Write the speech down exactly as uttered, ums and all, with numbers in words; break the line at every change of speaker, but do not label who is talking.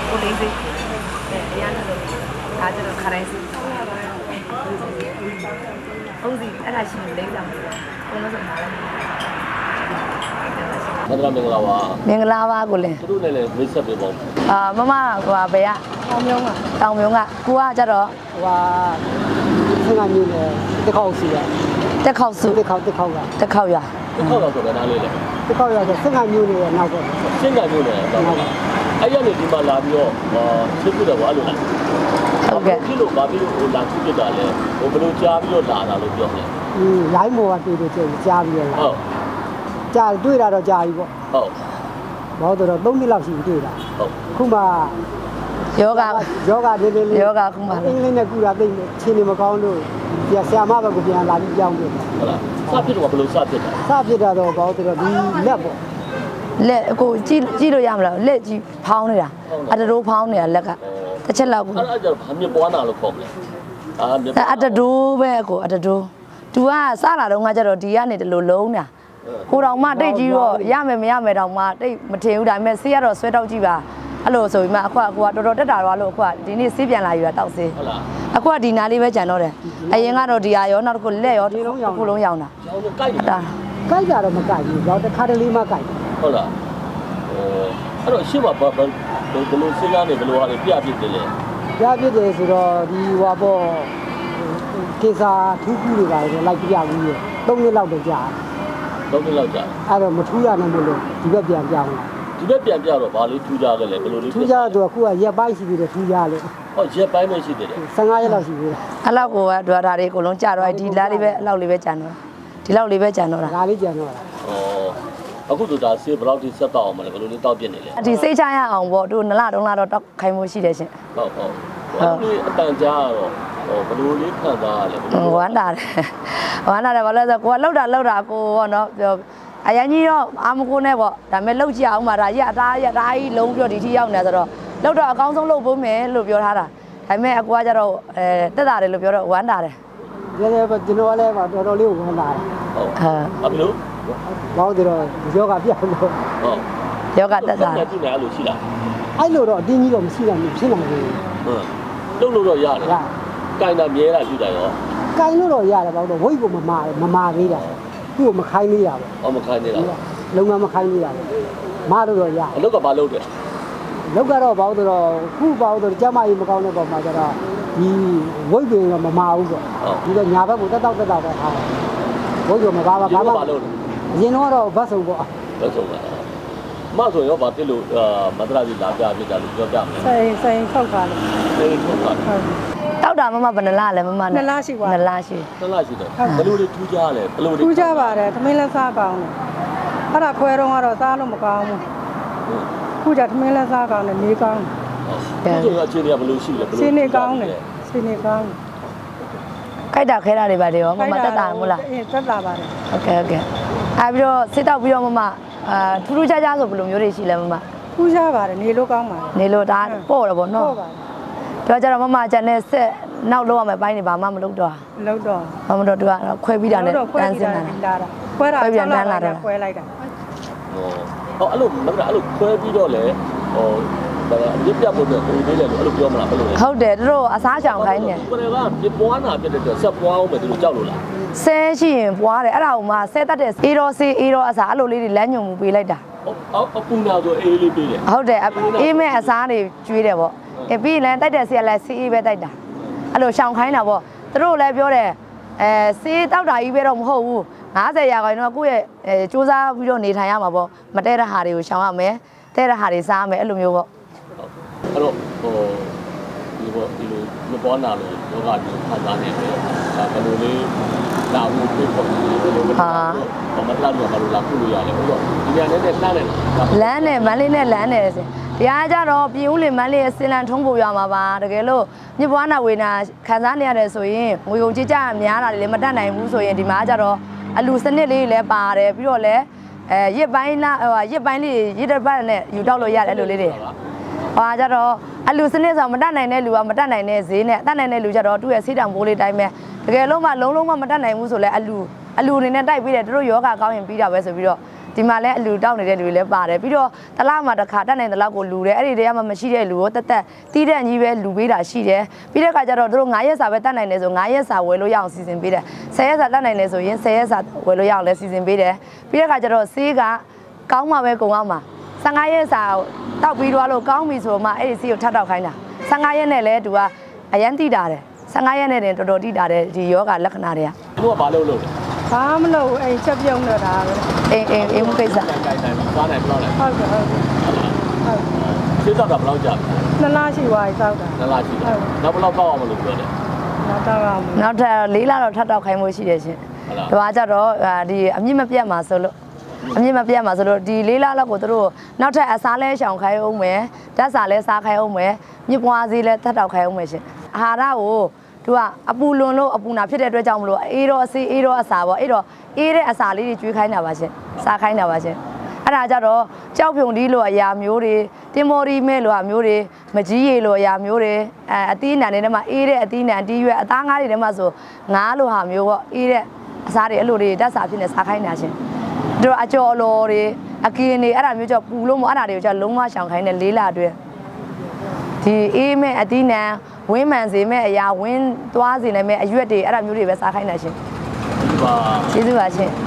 ကိုလေးစိတ်အရန်လို့ဒါကျတော့ခရိုင်းစိတ်ဟုတ်စီအဲ့ဒါရှိနေလိမ့်တာဘယ်လိုဆိုမှာလဲ
မင်္ဂလာမင်္ဂလာပါ
မင်္ဂလာပါကိုလင်း
သူတို့လည်းလည်းမိတ်ဆက်ပေးပါဦး
အာမမဟိုဘယ်ကတောင်မြုံကတောင်မြုံကကိုကကြတော့
ဟိုဆင်းကမျိုးနဲ့တစ်ခေါက်စီရ
တက်ခေါက်စု
တစ်ခေါက်တစ်ခေါက်က
တက်ခေါက်ရ
တစ်ခေါက်တော့ဆိုတာနားလေးလေ
တစ်ခေါက်ရဆိုဆင်းကမျိုးနဲ့နောက်တော့
ဆင်းကမျိုးနဲ့တော့အဲ့ရနေဒီမှာလာပြီးတော့ချစ်ပြတယ်ပေါ့အဲ့လိုလား
ဟုတ်ကဲ့
ဒီလိုဘာဖြစ်လို့ဟိုလာချစ်ပြတာလဲဟိုဘယ်လိုကြားပြီးတော့လာတာလို့ပြောတယ်
อืม line ပေါ်ကတွေ့တွေ့ကြည့်ကြားပြီးတော့
ဟုတ်
ကြားတွေ့တာတော့ကြားပြီပေါ့
ဟုတ်
ဘာလို့တော့သုံးနှစ်လောက်ရှိပြီတွေ့တာ
ဟုတ်
ခုမှ
ယောဂ
ယောဂနေနေ
ယောဂခုမှ
အင်္ဂလိပ်နဲ့ကူတာသိနေချင်းနေမကောင်းလို့ဒီဆရာမဘက်ကပြန်လာပြီးကြောင်းတယ်
ဟုတ်လားစဖြစ်တော့ဘယ်လိုစဖြစ်တာ
စဖြစ်တာတော့ဘာလို့တော့ဒီလက်ပေါ့
လက်အကိုကြည့်ကြည့်လို့ရမလားလက်ကြီးဖောင်းနေတာအတတိုးဖောင်းနေတာလက်ကတစ်ချက်လောက်ကို
အဲ့ဒါကျတော့ဘာမြပွားနာလို့ခေါ်မလဲ
အာအတတိုးပဲအကိုအတတိုးသူကစလာတော့ငါကျတော့ဒီကနေတလို့လုံးတာကိုတော်မတိတ်ကြီးတော့ရမယ်မရမယ်တော့မှတိတ်မထင်ဘူးဒါပေမဲ့ဆေးရတော့ဆွဲတောက်ကြည့်ပါအဲ့လိုဆိုပြီးမှအခုကကိုကတော်တော်တက်တာတော့လို့အခုကဒီနေ့ဆေးပြန်လာယူတာတောက်ဆေး
ဟုတ်လား
အခုကဒီနာလေးပဲကြံတော့တယ်အရင်ကတော့ဒီဟာရောနောက်တစ်ခုလက်ရောတစ်ခုလုံးရောင်းတာ
ရောင်းတော့ကြိုက်တာ
ကြိုက်တာတော့မကြိုက်ဘူးတော့တစ်ခါတလေမှကြိုက်
ဟုတ်လားအဲအဲ့တော့ရှင်းပါဘယ်ဘယ်လိုဆေးကားနေဘယ်လိုဟာတွေပြပြတယ်လဲ
ပြပြတယ်ဆိုတော့ဒီဟွာပေါ့ကေစာထူးထူးတွေပါလေလိုက်ပြဘူးရေသုံးနှစ်လောက်တော့ကြာ
သုံးနှစ်လောက်ကြာ
အဲ့တော့မထူးရနိုင်ဘူးလို့ဒီဘက်ပြန်ပြောင်းလာ
ဒီဘက်ပြန်ပြတော့ဗာလေးထူးကြတယ်လေဘယ်လိုလေး
ထူးကြတော့အခုကရက်ပိုင်းရှိသေးတယ်ထူးကြလို့
ဟောရက်ပိုင်းပဲရှိသေးတယ်
ဆယ်ငါးရက်လောက်ရှိသေးတယ်
အဲ့လောက်ကိုကဒွါတာတွေအကုန်လုံးကြာတော့ဒီလားလေးပဲအဲ့လောက်လေးပဲကြာတော့ဒီလောက်လေးပဲကြာတော့တာ
ဒါလေးကြာတော့တာ
ဩအခုတို့ဒါဆေးဘယ်လောက်ထိဆက်တော့အောင်မလဲဘယ်လိုလေးတောက်ပြစ်နေလဲ
ဒီစိတ်ချရအောင်ပေါ့တို့နလတုံးလာတော့တောက်ခိုင်းမှုရှိတယ်ရှင်
ဟုတ်ဟုတ်အဲ့ဒီအတန်ကြားတော့ဟိုဘယ်လိုလေးခံစားရလဲ
ဝမ်းတာတယ်ဝမ်းတာတယ်ဘာလို့လဲဆိုကိုကလှုပ်တာလှုပ်တာကိုပေါ့နော်အရင်ကြီးတော့အာမကိုနဲ့ပေါ့ဒါပေမဲ့လှုပ်ကြည့်အောင်ပါဒါကြီးအသားရဒါကြီးလုံးပြီးတော့ဒီထိရောက်နေဆိုတော့လှုပ်တော့အကောင်းဆုံးလှုပ်ဖို့မယ်လို့ပြောထားတာဒါပေမဲ့အကူကကျတော့အဲတက်တာတယ်လို့ပြောတော့ဝမ်းတာတယ်
ရဲရဲကျွန်တော်လည်းတော်တော်လေးဝမ်းတာတယ်
ဟုတ်ဟာဘယ်လို
ဘောင်းတော့ယောဂပြတ်လို့
ဟုတ်
ယောဂတက်တာ
တယ်ဒီနေ့အဲ့လိုရှိလား
အဲ့လိုတော့အတင်းကြီးတော့မရှိနိုင်ဘူးဖြစ်နိုင်ဘူး
ဟုတ်လှုပ်လို့တော့ရတယ်ကင်တာမြဲတာရှိတာရော
ကင်လို့တော့ရတယ်ဘောင်းတော့ဝိတ်ကိုမမာမမာသေးတာသူ့ကိုမခိုင်းသေးရပါဘူး
။အော်မခိုင်းသေးတာ
။လုံငန်းမခိုင်းသေးရဘူး။မလို့တော့ရ။
အလုပ်ကဘာလုပ်တယ်
။လုပ်ကတော့ဘာလို့တော့ခုဘာလို့ကျမကြီးမကောင်းတဲ့ပုံမှာကျတော့ဒီဝိတ်ပင်ကမမာဘူးပေါ့။ဒီတော့ညာဘက်ကိုတက်တော့တက်တော့ပဲထားတယ်။ဝိတ်ကမပါပါဘာမှမလုပ်ဘူး။အရင်တော့ဘတ်စုံပေါ့
။ဘတ်စုံပါ။မဆိုရောဗာတိလို့မတရာကြီးလာပြပြတာလို့ပြောပြမယ်
။ဆိုင်ဆိုင်ခောက်ခါလို့
။ဆိုင်ခောက်ခါ။
တောက်တာမမဘယ်နှလားလဲမမ
နှစ်လားရှိပါ
နှစ်လားရှိ
နှစ်လားရှိတယ်ဘယ်လိုတွေထူးကြလဲဘယ်လိုတွေ
ထူးကြပါတယ်သမင်းလက်စားကောင်းတယ်အဲ့ဒါခွဲတော့ကတော့စားလို့မကောင်းဘူးခုကျသမင်းလက်စားကောင်းတယ်နေကောင်း
တယ်ဒီလိုအခြေအနေကဘယ်လိုရှိလဲဘယ်လို
ရှင်းနေကောင်းတယ်ရှင်းနေကောင်း
ခိုက်တာခဲတာတွေပါတယ်ရောမမတက်တာမို့လား
အေးတက်တာပါတယ်
โอเคโอเคအဲပြီးတော့စစ်တောက်ပြီးတော့မမအာထူးထူးခြားခြားဆိုဘယ်လိုမျိုးတွေရှိလဲမမ
ထူးခြားပါတယ်နေလို့ကောင်းပါတယ်
နေလို့ဒါပေါ့တယ်ပေါ့နော်
ပေါ့ပါတယ်
ပြောကြတော့မမကျန်တဲ့ဆက်နောက်လောက်ရမယ်ပိုင်းနေဘာမှမလုပ်တော့
လုပ်တော့
ဘာမှတော့သူကခွဲပြီးတာနဲ့တန်းစင်း
တာခွဲတာပြန်တန်းလာတာခွဲလိုက်တာ
ဟောအဲ့လိုမကအဲ့လိုခွဲပြီးတော့လေဟိုရစ်ပြတ်ဖို့အတွက်ကိုသေးတယ်လို့အဲ့လိုပြောမလားဘယ်လိုလဲ
ဟုတ်တယ်သူတို့အစားချောင်ခိုင်းတယ်
ကိုယ်ကပြပွားနာပြတဲ့အတွက်ဆက်ပွားအောင်ပဲသူတို့ကြောက်လို့လား
ဆဲရှိရင်ပွားတယ်အဲ့ဒါကိုမှဆဲတတ်တဲ့အေးရောစေးအေးရောအစားအဲ့လိုလေးတွေလမ်းညွန်မှုပေးလိုက်တာ
အော်အပူနာဆိုအေးလေးပေးတယ်
ဟုတ်တယ်အေးမဲ့အစားတွေကျွေးတယ်ပေါ့အဲပြီးရင်တိုက်တဲ့ဆေးကလည်းဆေးအေးပဲတိုက်တာအဲ့လိုရှောင်ခိုင်းတာပေါ့သူတို့လည်းပြောတယ်အဲဆေးတောက်တာကြီးပဲတော့မဟုတ်ဘူးငါးဆယ်ရာခိုင်တော့ကိုယ့်ရဲ့အဲစူးစမ်းပြီးတော့နေထိုင်ရမှာပေါ့မတဲတဲ့ဟာတွေကိုရှောင်ရမယ်တဲတဲ့ဟာတွေစားရမယ်အဲ့လိုမျိုးပေါ့
အဲ့တော့ဟိုဒီပေါ့ဒီလိုမပေါ်လာလို့ယောဂတွေခံစားနေတယ်ဒါဘယ်လိုလေးလာဖို့ပြေပေါ်နေတယ်ဘယ်လိုလဲဟာမတလာတော့ဘာလို့လာခုလို့ရတယ်ဟုတ်တော့ဒီညာနဲ့နဲ့လှမ်းတယ်
လမ်းနဲ့မန်းလေးနဲ့လမ်းနဲ့ဆိုတရားကြတော့ပြည်ဦးလင်မန်းလေးရဲ့စင်လန်ထုံးဖို့ရမှာပါတကယ်လို့မြစ်ပွားနာဝေနာခံစားနေရတယ်ဆိုရင်ငွေကုန်ကြေးကြများတာလည်းမတတ်နိုင်ဘူးဆိုရင်ဒီမှာကြတော့အလူစနစ်လေးလည်းပါတယ်ပြီးတော့လည်းအဲရစ်ပိုင်းလားဟိုရစ်ပိုင်းလေးရစ်တစ်ပတ်နဲ့ယူတောက်လို့ရတယ်အဲ့လိုလေးတွေဟောကြတော့အလူစနစ်ဆိုမတတ်နိုင်တဲ့လူကမတတ်နိုင်တဲ့ဈေးနဲ့တတ်နိုင်တဲ့လူကြတော့သူ့ရဲ့ဆေးတောင်ဘိုးလေးတိုင်းပဲတကယ်လို့မှလုံးလုံးမမတတ်နိုင်ဘူးဆိုလဲအလူအလူအနေနဲ့တိုက်ပြီးတယ်တို့ယောဂကောင်းရင်ပြီးတာပဲဆိုပြီးတော့ဒီမှာလည်းအလူတောက်နေတဲ့လူတွေလည်းပါတယ်ပြီးတော့တလားမှာတစ်ခါတက်နိုင်တဲ့လောက်ကိုလူတယ်အဲ့ဒီတည်းကမှမရှိတဲ့လူကိုတက်တက်တီးတဲ့ကြီးပဲလူပေးတာရှိတယ်ပြီးတဲ့အခါကျတော့တို့9ရက်စာပဲတက်နိုင်တယ်ဆို9ရက်စာဝယ်လို့ရအောင်စီစဉ်ပေးတယ်10ရက်စာတက်နိုင်တယ်ဆိုရင်10ရက်စာဝယ်လို့ရအောင်လည်းစီစဉ်ပေးတယ်ပြီးတဲ့အခါကျတော့ဆေးကကောင်းမှပဲကုန်အောင်မှာ15ရက်စာတောက်ပြီးတော့လို့ကောင်းပြီဆိုမှအဲ့ဒီဆေးကိုထပ်တောက်ခိုင်းတာ15ရက်နဲ့လဲသူကအရန်တိတာတယ်15ရက်နဲ့တင်တော်တော်တိတာတယ်ဒီယောဂလက္ခဏာတွေက
သူကဘာလို့လို့လဲ
ဘာမလို့အဲ့ချက်ပြုံးတော့တာပဲ
အင်းအင်းအင်းမကိစ္စ
တိုင်တိုင်တိုင်စားနိုင်ဘယ်လောက်လဲ
ဟုတ်ကဲ့ဟုတ်ကဲ့ဟုတ်
ဆေးတော့တာဘယ်လောက်ကြာ
နှစ်လားရှိသွားပြီစောက်တာ
လဲလားရှိတယ်နောက်ဘယ်လောက်တော့အောင်မလို့ပြောတယ်
နောက်တော့အောင်
နောက်ထပ်လေးလတော့ထပ်တောက်ခိုင်းမှုရှိတယ်ရှင်
ဟုတ်လား
ဒါကကြတော့ဒီအမြင့်မပြတ်မှာဆိုလို့အမြင့်မပြတ်မှာဆိုလို့ဒီလေးလလောက်ကိုတို့နောက်ထပ်အစားလဲရှောင်ခိုင်းအောင်မယ်ဓာတ်စာလဲစားခိုင်းအောင်မယ်မြစ်ပွားစည်းလဲထပ်တောက်ခိုင်းအောင်မယ်ရှင်အာဟာရကိုသူကအပူလွန်လို့အပူနာဖြစ်တဲ့အတွက်ကြောင့်မလို့အေးတော့ဆေးအေးတော့အစာပေါ့အဲ့တော့အေးတဲ့အစာလေးတွေကျွေးခိုင်းတာပါရှင်စားခိုင်းတာပါရှင်အဲ့ဒါကြတော့ကြောက်ဖြုံဒီလိုအရာမျိုးတွေတင်မော်ရီမဲလိုအမျိုးတွေမကြီးရီလိုအရာမျိုးတွေအဲအသီးအနှံတွေထဲမှာအေးတဲ့အသီးအနှံတီးရွက်အသားငါးတွေထဲမှာဆိုငါးလိုဟာမျိုးပေါ့အေးတဲ့အစားတွေအဲ့လိုတွေဓာတ်စာဖြစ်နေစားခိုင်းတာရှင်တို့အကျော်လော်တွေအကင်းတွေအဲ့ဒါမျိုးကြောင့်ပူလို့မအဲ့ဒါတွေကိုကြောင့်လုံးဝရှောင်ခိုင်းတဲ့လေးလအတွင်းဒီအေးမဲ့အသီးနှံဝင်းမှန်စေမဲ့အရာဝင်းသွားစေနိုင်မဲ့အရွက်တွေအဲ့ဒါမျိုးတွေပဲစားခိုင်းတာရှင်
ဒီပါ
ကျေးဇူးပါရှင်